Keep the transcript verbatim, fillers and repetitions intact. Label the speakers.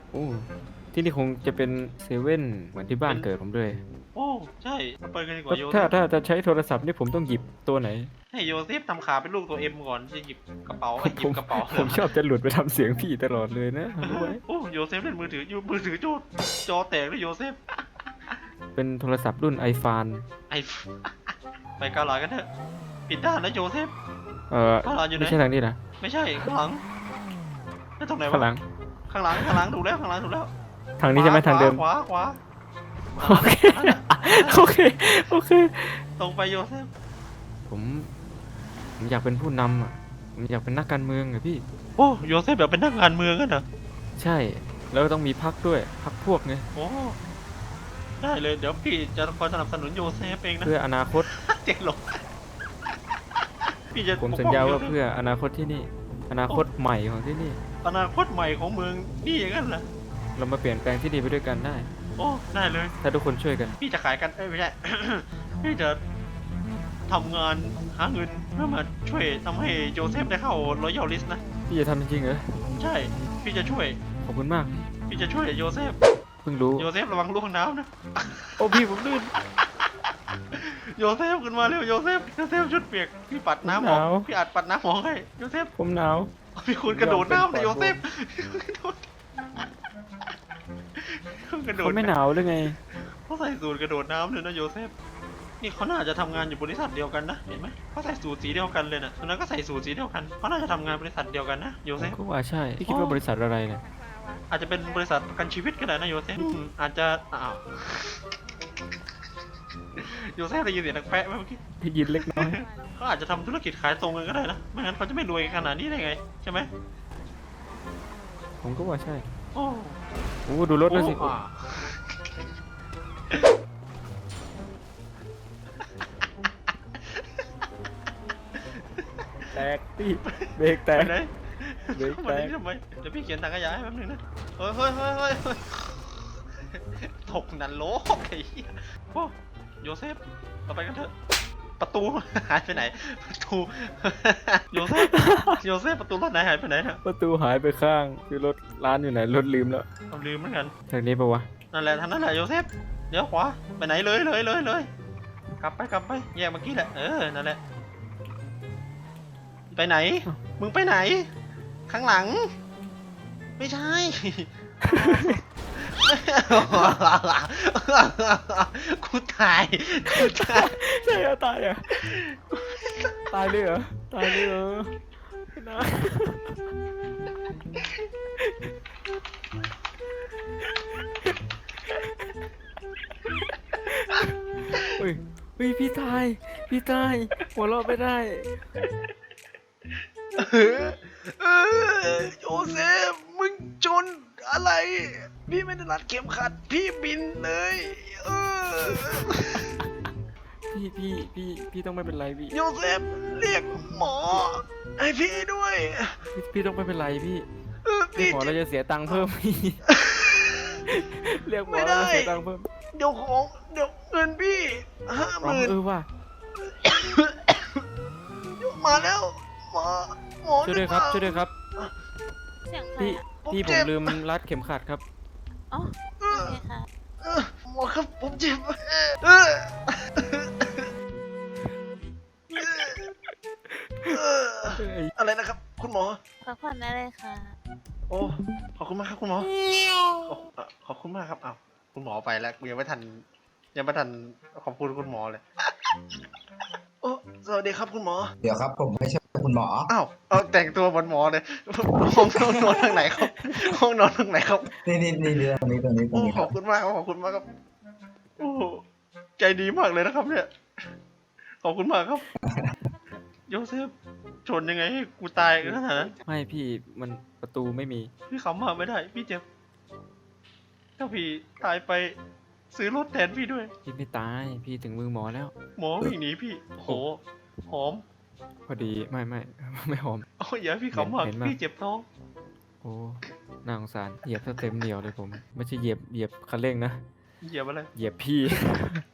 Speaker 1: โอ้ที่นี่คงจะเป็นเซเว่นเหมือนที่บ้านเกิดผมเลย
Speaker 2: โอ้ใช่มาเปิดกันดีก
Speaker 1: ก็
Speaker 2: ว่าโยเซ
Speaker 1: ถ้า
Speaker 2: ฟ
Speaker 1: ถ้าจะใช้โทรศัพท์นี่ผมต้องหยิบตัวไหน
Speaker 2: ให้โยเซฟทำขาเป็นลูกตัวเอ็มก่อนจะหยิบกระเป๋า
Speaker 1: ผ
Speaker 2: ไอ้
Speaker 1: มผม
Speaker 2: หยิบกระเป๋า
Speaker 1: ผมชอบจะหลุดไปทำเสียงพี่ตลอดเลยนะรู้ไหม
Speaker 2: โอ้โยเซฟเล่นมือถืออยู่มือถือจอจอแตกเลยโยเซฟ
Speaker 1: เป็นโทรศัพท์รุ่นไอฟาน
Speaker 2: ไอไปเกาหลีกันเถอะปิดด้านนะโยเซฟ
Speaker 1: เออ
Speaker 2: เกาหลีอยู่ไหน
Speaker 1: ไม่ใช่ทางนี้นะ
Speaker 2: ไม่ใช่ข้างหลังไม่ตรงไหนวะ
Speaker 1: ข้างหลัง
Speaker 2: ข้างหลังข้างหลังถูกแล้วข้างหลังถูกแล้ว
Speaker 1: ทางนี้ใช่ไหมทางเดิม
Speaker 2: ขวาขวา
Speaker 1: โอเคโอเคโอเค
Speaker 2: ตรงไปโยเซฟ
Speaker 1: ผมผมอยากเป็นผู้นำอ่ะผมอยากเป็นนักการเมืองอะพี่
Speaker 2: โอ้โยเซฟแบบเป็นนักการเมืองกันเหรอ
Speaker 1: ใช่แล้วต้องมีพักด้วยพักพวกไง
Speaker 2: โอ้ได้เลยเดี๋ยวพี่จะคอยสนับสนุนโยเซฟเองนะ
Speaker 1: เพื่ออนาคต
Speaker 2: เจ๊งหลงพี่จะ
Speaker 1: ผมสัญญาว่าเพื่ออนาคตที่นี่ อนาคตใหม่ของที่นี่
Speaker 2: อนาคตใหม่ของเมืองนี่อย่างนั้นเหรอ
Speaker 1: เรามาเปลี่ยนแปลงที่นี่ไปด้วยกันได้
Speaker 2: โอ้ได้เลย
Speaker 1: ถ้าทุกคนช่วยกัน
Speaker 2: พี่จะขายกันเอ้ยไม่ใช่ พี่จะทำงานหาเงินเพื่อมาช่วยทำให้โจเซฟได้เข้ารอยัลลิสต์นะ
Speaker 1: พี่จะทำจริงๆเหรอ
Speaker 2: ใช่ พี่จะช่วย
Speaker 1: ขอบคุณมาก
Speaker 2: พี่จะช่วยโยเซฟ
Speaker 1: เพิ่งรู้
Speaker 2: โยเซฟระวังลูกน้ำนะ
Speaker 1: โอ้พี่ผมลื่น
Speaker 2: โยเซฟขึ้นมาเร็วโยเซฟโยเซฟชุดเปียกพี่ปัดน้ำออกพี่อัดปัดน้ำออกให้โยเซฟ
Speaker 1: ผมหนาว
Speaker 2: พี่คุณกระโดดน้ำเลยโยเซฟกระโดดกระโดด
Speaker 1: เขาไม่หนาวหรือไง
Speaker 2: เขาใส่สูทกระโดดน้ำเลยนะโยเซฟนี่เขาน่าจะทำงานอยู่บริษัทเดียวกันนะเห็นไหมเขาใส่สูทสีเดียวกันเลยนะคนนั้นก็ใส่สูทสีเดียวกันเขาน่าจะทำงานบริษัทเดียวกันนะโย
Speaker 1: ผ
Speaker 2: เซ
Speaker 1: ม
Speaker 2: ฟ
Speaker 1: ก็ว่าใช่ พี่คิดว่าบริษัทอะไรเนี่ย
Speaker 2: อาจจะเป็นบริษัทประกันชีวิตก็ได้นะโยเซฟอืมอาจจะอ้าวโยเซฟได้ยินเสียงดังแปะไหมเมื่อกี้
Speaker 1: ได้ยินเล็กน้อย
Speaker 2: เขาอาจจะทำธุรกิจขายตรงกันก็ได้นะไม่งั้นเขาจะไม่รวยขนาดนี้ได้ไงใช่ไหม
Speaker 1: ผมก็ว่าใช่
Speaker 2: โอ้
Speaker 1: โอ้ดูรถแล้วสิ
Speaker 2: โอ้อ่า
Speaker 1: แตกพี่เบรกแต
Speaker 2: ไป
Speaker 1: ก
Speaker 2: ไหน
Speaker 1: เบรก
Speaker 2: เข้า
Speaker 1: แต
Speaker 2: มาก นี่ทำไมเดี๋ยวพี่เขียนถังขยะให้แป๊บนึงนะเฮ้ยเฮ้ยเฮ้ยเฮ้ยเฮ้ยตกนันโลกไอ้เหี้ยโอ้โยเซฟเราไปกันเถอะประตูหายไปไหนประตูโยเซฟโยเซฟประตูรถไหนหายไปไหนนะ
Speaker 1: ประตูหายไปข้างคือรถร้านอยู่ไหนรถลืมแล้ว
Speaker 2: เราลืมเหมือนกัน
Speaker 1: ทางนี้ปะวะ
Speaker 2: นั่นแหละทางนั้นแหละโยเซฟเดี๋ยวขวาไปไหนเลยเลยเลยเลยกลับไปกลับไปแยกเมื่อกี้แหละเออนั่นแหละไปไหน มึงไปไหน ข้างหลัง ไม่ใช่ กูตายกูตาย
Speaker 1: ใช่อะตายอะตายเลยเหรอตายเลยเหรอไม่นะเฮ้ยเฮ้ยพี่ตายพี่ตายหัวเราะไม่ได้
Speaker 2: เออโยเซฟมึงจนอะไร พี่ไม่ได้รัดเข็มขัด พี่บินเลย เออ
Speaker 1: พี่พี่พี่พี่ต้องไม่เป็นไรพี่
Speaker 2: โยเซฟเรียกหมอให้พี่ด้วย
Speaker 1: พี่พี่ต้องไม่เป็นไรพี่
Speaker 2: เออ
Speaker 1: เรีย
Speaker 2: พี่
Speaker 1: กหมอเราจะเสียตังค์เพิ่มพี่เรียกหมอ
Speaker 2: ไม่
Speaker 1: เรา
Speaker 2: ได้
Speaker 1: จะเสียตังค์เพิ่ม
Speaker 2: เดี๋ยวของเดี๋ยวเงินพี่ห้าห
Speaker 1: อ๋อ
Speaker 2: มื่น
Speaker 1: เออว่ะ
Speaker 2: มาแล้วหมอหมอ
Speaker 1: ช่วยด้วยครับช่วยด้วยครับ
Speaker 3: เสียงใคร
Speaker 1: พี่
Speaker 3: อ่ะ
Speaker 1: พี่ผมลืมรัดเข็มขัดครับ
Speaker 3: อ๋อ
Speaker 2: เอ
Speaker 3: โอ
Speaker 2: อ
Speaker 3: เคค่ะ
Speaker 2: เออหมอครับผมเจ็บเออเออ
Speaker 1: เอ้ย
Speaker 2: อะไรนะครับ คุณหมอ
Speaker 3: พักผ่อนได้เลยค่ะ
Speaker 2: โอ้ขอบคุณมากครับคุณหมอขอบอ่ะขอบคุณมากครับอ้าวคุณหมอไปแล้วยังไม่ทันยังไม่ทันขอบคุณคุณหมอเลยโอ้สวัสดีครับคุณหมอ
Speaker 4: เดี๋ยวครับผมไม่ใช่คุณหมอ
Speaker 2: อ้าวเอาแต่งตัวเหมือนหมอเลยห้องห้องนอนทางไหนครับห้องนอนทางไหนครับ
Speaker 4: นี่นี่นี่นี่ตรงนี้ตรงนี้ตร
Speaker 2: โอ้
Speaker 4: งนี้
Speaker 2: ข
Speaker 4: ค
Speaker 2: อ
Speaker 4: รั
Speaker 2: บบ คุณมากครับขอบคุณมากครับโอ้ใจดีมากเลยนะครับ เนี่ยขอบคุณมากครับโยเซฟชนยังไงให้กูตายขนาดนั้น
Speaker 1: ไม่พี่มันประตูไม่มี
Speaker 2: พี่ขำมากไม่ได้ พี่เจ็บถ้าพี่ตายไปซื้อรถแทนพี่ด้วย
Speaker 1: พี่ไม่ตายพี่ถึงมือหมอแล้ว
Speaker 2: หมอวิ่งหนีพี่โอ้โหหอม
Speaker 1: พอดีไม่ไม่ไม่หอม
Speaker 2: โอ้ยอย่าให้พี่ขำมาก
Speaker 1: เห็นไหม
Speaker 2: พี่เจ็บท้อง
Speaker 1: โอ้น่าสงสารเหยียบซะเต็มเหนียวเลยผม ไม่ใช่เหยียบเหยียบคันเร่งนะ
Speaker 2: เหยียบอะไร
Speaker 1: เหยียบพี่